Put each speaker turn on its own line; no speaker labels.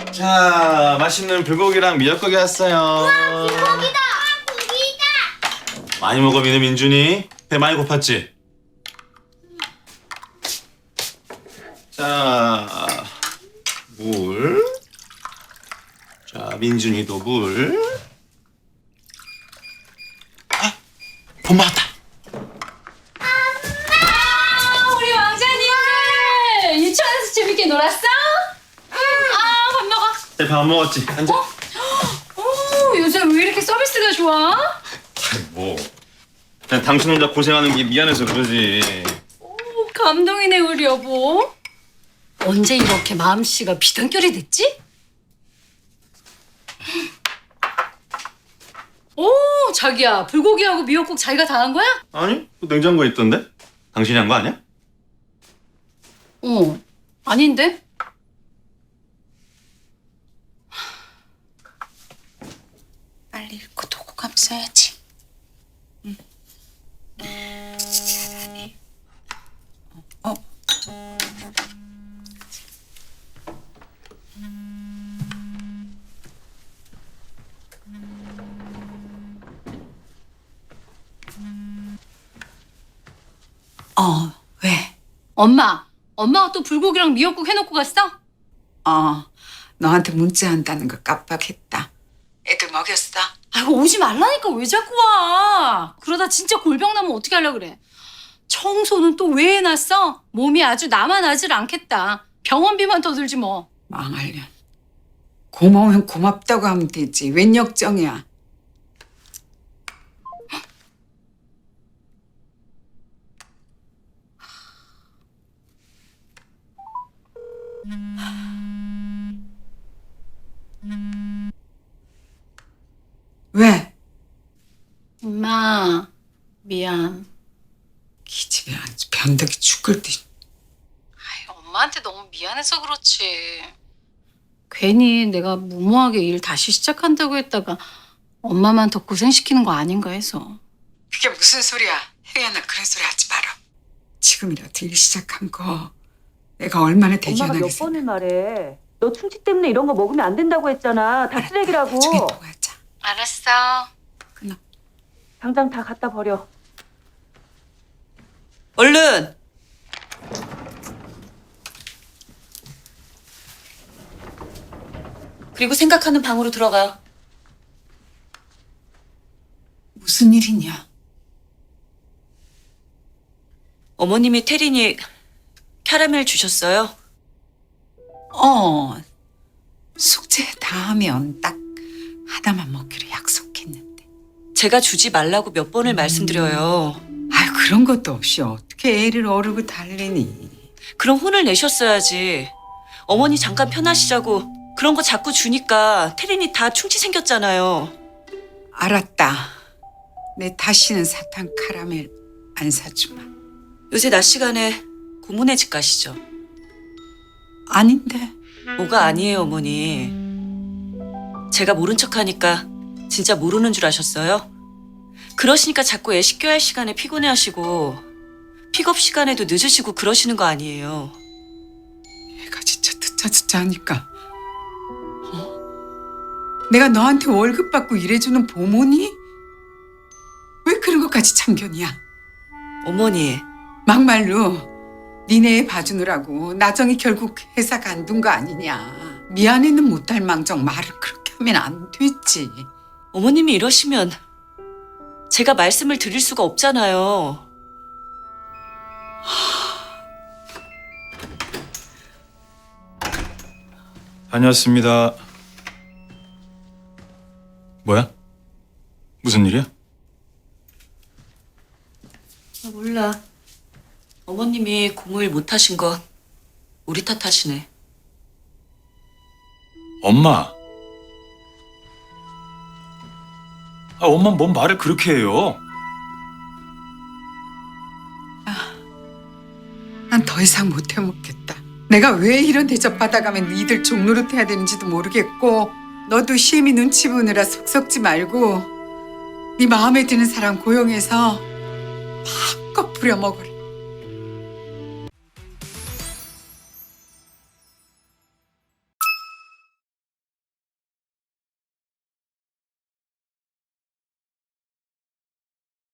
자, 맛있는 불고기랑 미역국이 왔어요.
고기다! 고기다!
많이 먹어, 민준이. 배 많이 고팠지? 자, 물. 자, 민준이도 물. 아, 돈 맞았다.
우리 왕자님들 유치원에서 재밌게 놀았어? 밥 먹어.
네, 밥 먹었지? 앉아.
요새 왜 이렇게 서비스가 좋아?
뭐. 그냥 당신 혼자 고생하는 게 미안해서 그러지.
감동이네 우리 여보. 언제 이렇게 마음씨가 비단결이 됐지? 오 자기야 불고기하고 미역국 자기가 다 한 거야?
아니, 그 냉장고에 있던데? 당신이 한 거 아니야?
아닌데?
빨리 읽고 도구감 써야지. 잘하네. 왜?
엄마가 또 불고기랑 미역국 해놓고 갔어?
너한테 문자한다는 거 깜빡했다. 애들 먹였어?
아이고 오지 말라니까 왜 자꾸 와? 그러다 진짜 골병 나면 어떻게 하려고 그래? 청소는 또 왜 해놨어? 몸이 아주 남아나질 않겠다. 병원비만 더 들지 뭐.
망할년. 고마우면 고맙다고 하면 되지. 웬 역정이야. 왜?
엄마 미안.
기집애 아주 변덕이 죽을 듯.
엄마한테 너무 미안해서 그렇지. 괜히 내가 무모하게 일 다시 시작한다고 했다가 엄마만 더 고생시키는 거 아닌가 해서.
그게 무슨 소리야. 혜연아 그런 소리 하지 마라. 지금이라도 일 시작한 거 내가 얼마나
엄마가
대견하게
몇 번을 말해. 너 충치 때문에 이런 거 먹으면 안 된다고 했잖아. 다 쓰레기라고.
나중에 또 하자.
알았어.
끊어.
당장 다 갖다 버려.
얼른! 그리고 생각하는 방으로 들어가.
무슨 일이냐?
어머님이 태린이 캐러멜 주셨어요.
숙제 다 하면 딱 하나만 먹기로 약속했는데.
제가 주지 말라고 몇 번을 말씀드려요.
아유 그런 것도 없이 어떻게 애를 어르고 달래니.
그럼 혼을 내셨어야지. 어머니 잠깐 편하시자고 그런 거 자꾸 주니까 태린이 다 충치 생겼잖아요.
알았다. 내 다시는 사탕 카라멜 안 사주마.
요새 낮 시간에 고모네 집 가시죠.
아닌데.
뭐가 아니에요, 어머니. 제가 모른 척하니까 진짜 모르는 줄 아셨어요? 그러시니까 자꾸 애 씻겨야 할 시간에 피곤해하시고 픽업 시간에도 늦으시고 그러시는 거 아니에요.
얘가 진짜 듣자 하니까. 내가 너한테 월급 받고 일해주는 보모니? 왜 그런 것까지 참견이야?
어머니,
막말로 니네 애 봐주느라고 나정이 결국 회사 간둔 거 아니냐. 미안해는 못할 망정 말을 그렇게 하면 안 되지.
어머님이 이러시면 제가 말씀을 드릴 수가 없잖아요.
다녀왔습니다. 뭐야? 무슨 일이야?
몰라. 어머님이 고모일 못하신 거 우리 탓하시네.
엄마. 엄마 뭔 말을 그렇게 해요?
난 더 이상 못 해먹겠다. 내가 왜 이런 대접 받아가면 니들 종노릇 해야 되는지도 모르겠고 너도 시엠이 눈치 보느라 속 썩지 말고 네 마음에 드는 사람 고용해서 마음껏 부려먹어라.